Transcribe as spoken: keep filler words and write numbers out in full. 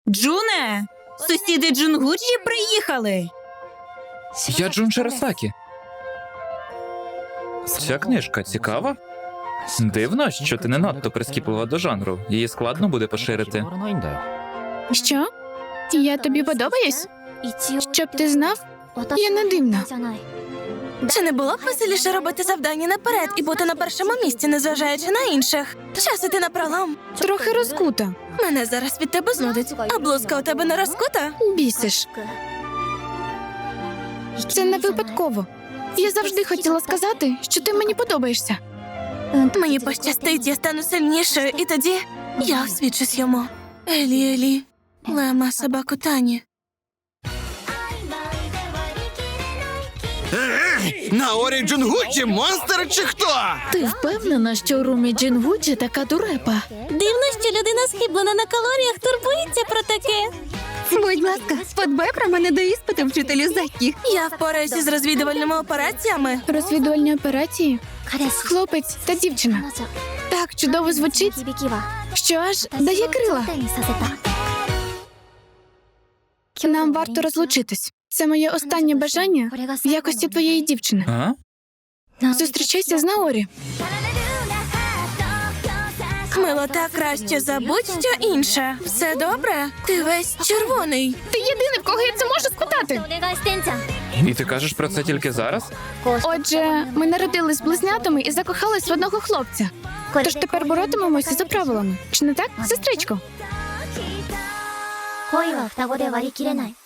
Джуне, сусіди Джунгуджі приїхали. Я Джун Шарасакі. Ця книжка цікава? Дивно, що ти не надто прискіплива до жанру. Її складно буде поширити. Що? Я тобі подобаюсь? Щоб ти знав, я не дивна. Чи не було б веселіше робити завдання наперед і бути на першому місці, незважаючи на інших? Час іти на пролом. Трохи розкута. Мене зараз від тебе знудить. А блузка у тебе не розкута? Бісиш. Це не випадково. Я завжди хотіла сказати, що ти мені подобаєшся. Мені пощастить, я стану сильнішою, і тоді я освічусь йому. Елі, Елі, лема собаку Тані. Наорі Джунгуджі монстр чи хто? Ти впевнена, що Румі Джунгуджі така дурепа? Дивно, що людина схиблена на калоріях турбується про таке. Будь ласка, подбай про мене до іспиту, вчителю Закі. Я впораюся з розвідувальними операціями. Розвідувальні операції? Хлопець та дівчина. Так чудово звучить, що аж дає крила. Нам варто розлучитись. Це моє останнє бажання в якості твоєї дівчини. А? Зустрічайся з Наорі. Милота краще забудь що інше. Все добре? Ти весь червоний. Ти єдиний, в кого я це можу спитати. І ти кажеш про це тільки зараз? Отже, ми народились близнятами і закохались в одного хлопця. Тож тепер боротимемося за правилами. Чи не так, сестричко? 恋は双子で割り切れない